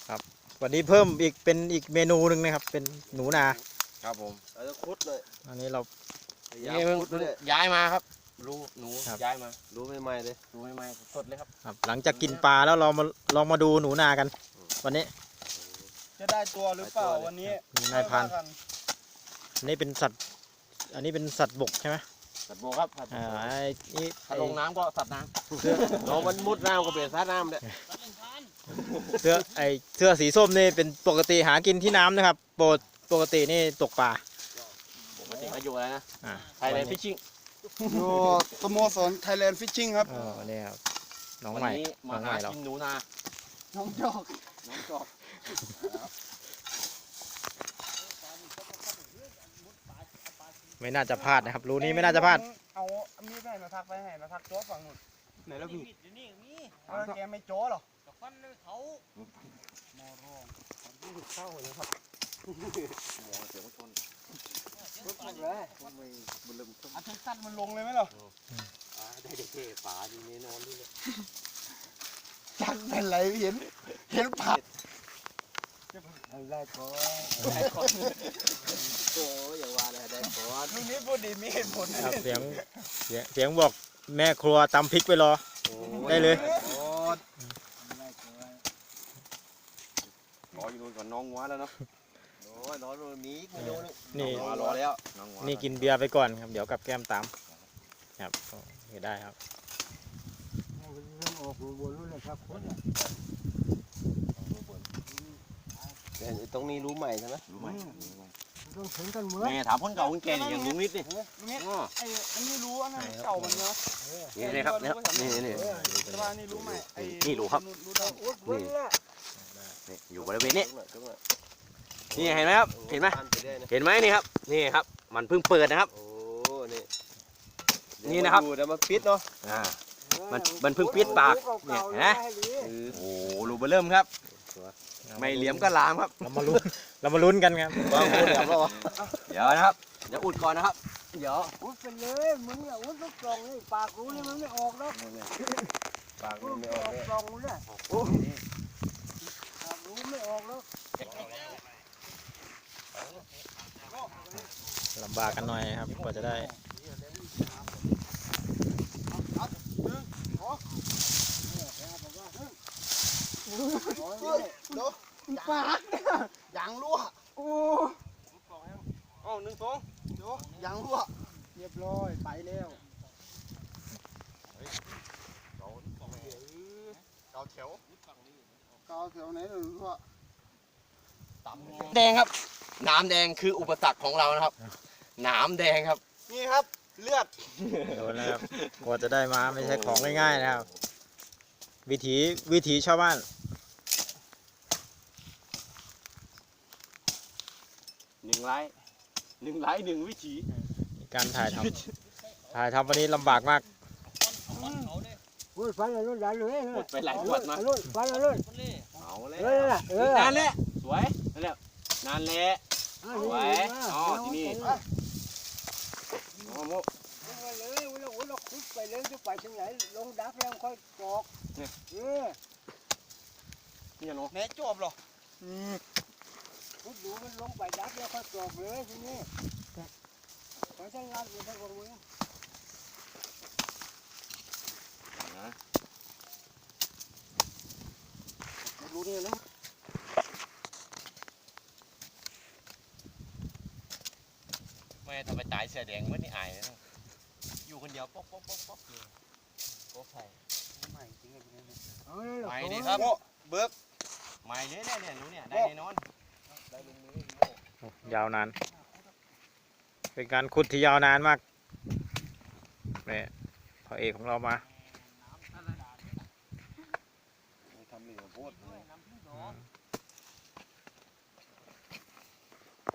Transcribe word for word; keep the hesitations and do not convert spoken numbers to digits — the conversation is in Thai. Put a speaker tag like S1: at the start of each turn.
S1: ครับวันนี้เพิ่มอีกเป็นอีกเมนูหนึ่งนะครับเป็นหนูนา
S2: ครับผมเราจะคุดเลย
S1: อันนี้เรา
S2: ย้ายคุดเลยย้ายมาครับรู้หนูย้ายมารู้ใหม่ๆเลยรู้ใหม่ๆสดเลยครับ
S1: ครับหลังจากกินปลาแล้วเรามาลองมาดูหนูนากัน วันนี้
S3: จะได้ตัวหรือเปล่าวันนี้
S1: มีนายพันธุ์อันนี้เป็นสัตว์อันนี้เป็นสัตว์บกใช่ไหม
S2: สัตว์บกครับ
S1: อ่าไอ้นี่
S2: ถ้าลงน้ำก็สัตว์น้ำเรามันมุดน้ำก็เป็นสัตว์น้ำเลย
S1: เสื้อไอเสื้อสีส้มนี่เป็นปกติหากินที่น้ำนะครับปกปกตินี่ตกปลา
S2: ปกติเขาอยู่อะไรนะไทยแลนด์ฟิชชิ่ง
S3: อยู่สโมสรไทยแลนด์ฟิชชิ่งครับ
S1: อ๋อนี่ครับน้องใหม่
S2: น้องใหม่เรากินหนูนา
S3: น้องจอก
S2: น้องจอก
S1: ไม่น่าจะพลาดนะครับรูนี้ไม่น่าจะพลาด
S3: เอามีดไปนะทักไปให้นะทักโจ้ฝั่งนู้นไหนแล้วมีเอาแกไม่โจ้หรอจะฟันเลยเขามอร้องเข้าเลยครับ
S2: มองเสียงชน
S3: ลุกเลยอาทิตย์สั้นมันลงเลยไหมล่ะ
S2: ได้เด็กๆป่าดีแน่นอนด้วยเลย
S3: จังเป็นไรเห็นเห็นผักอะไรก่อน
S2: ได้ก่อนโอ้ยอย่าว่าเลยได้ก่อน
S3: ลุงนี้พูดดีมีเหตุผล
S1: ครับเสียงเสียงเสียงบอกแม่ครัวตำพริกไปรอได้เลย
S2: รออยู่นู่นก่อนน้องงัวแล้วเนาะโอ้ยรอตรงนี้ไม่โดน
S1: นี่
S2: รอแล้ว
S1: นี่กินเบียร์ไปก่อนครับเดี๋ยวกับแก้มตามครับเห็นได้ครับ
S3: ออกบนนู้นเลยครับ
S2: ตรงนี้รู้ใหม่ใช่ไหมรู้ใหม่
S3: ต้องถึงกันเหมือน
S2: แม่ถามคนเก่าคนแก่นี่อย่างลุงนิดนี่
S3: ไอ้อันนี้รู้อันนั้นเก่ามันเนาะ
S2: นี่นี่ครับนี่นี่
S3: แต่ว่านี่รู้ไหมไอ้
S2: นี่รู้ครับนี่นี่อยู่บริเวณนี้นี่เห็นไหมครับเห็นไหมเห็นไหมนี่ครับนี่ครับมันเพิ่งเปิดนะครับโอ้นี่นี่นะครับเดี๋ยวมาปิดเนาะอ่ามันมันเพิ่งปิดปากเนี่ยเห็นไหมโอ้รูเบอร์เริ่มครับไม่เหลี่ยมก็ลามครับ
S1: เรามาลุ้นเรามาลุ้นกันครับ
S2: เดี๋ยวนะครับเดี๋ยวอุดก่อนนะครับเดี๋ยว
S3: อุดไปเลยมึงอ่ะอุดลูกกล่องนี่ปากรู้นี่มันไม่ออกแล้ว
S2: ปากรู้ไม่ออก
S3: กล่องเลยปากรู้ไม่ออกแล้ว
S1: ลำบากกันหน่อยครับกว่าจะได้
S3: ปากเนี่ยยางรั่วโอ้
S2: โอ้หนึ่งสอง
S3: เดี๋ยวยางรั่วเรียบร้อยไปแล้ว
S2: เกาแถว
S3: เกาแถวไหนหรือว่า
S2: แดงครับน้ำแดงคืออุปสรรคของเรานะครับน้ำแดงครับ
S3: นี่ครับเลือด
S1: โดนแล้วกว่าจะได้มาไม่ใช่ของง่ายๆนะครับวิถีวิถีชาวบ้าน
S2: หนึ่งไลค์หนึ่งไลค์หนึ่งวิถี
S1: การถ่ายทำถ่ายทำวันนี้ลำบากมาก
S3: พูดฟันอะไรได้เลย
S2: หมดไปหลายขวดมา
S3: ฟันอะไร
S2: เอาเลยนานแล้วสวยนั่นแหละนานแล้วสวยอ๋อที่นี่โอ้โห
S3: เลยเราเราคุดไปเลยจะไปถึงไหนลงดักแล้วค่อยกรอก
S2: เนี่ย
S3: เออ
S2: นี่เนาะ
S3: แม่จบหรออืมคุดดูมันลงไปดักแล้วค่อยกรอกเลยทีนี้ไปทั้งลานไปทั้งคนมึง
S2: นะรู้เนี่ยนะแม่ทำไมตายเสียแดงไม่ได้อายนะอยู่คนเดียวป๊อกป๊อกป๊อกป๊อกเลยป๊อกใส่
S3: ใหม่จริงเลยเนี่ย
S2: ใหม่ดีครับเบิกใหม่เลยเนี่ยเนี่ยรู้เนี่ยได้แน่นอนได้ลงมื
S1: อยาวนานเป็นการขุดที่ยาวนานมากเนี่ยพระเอกของเรามา
S2: ทำเหลือโพด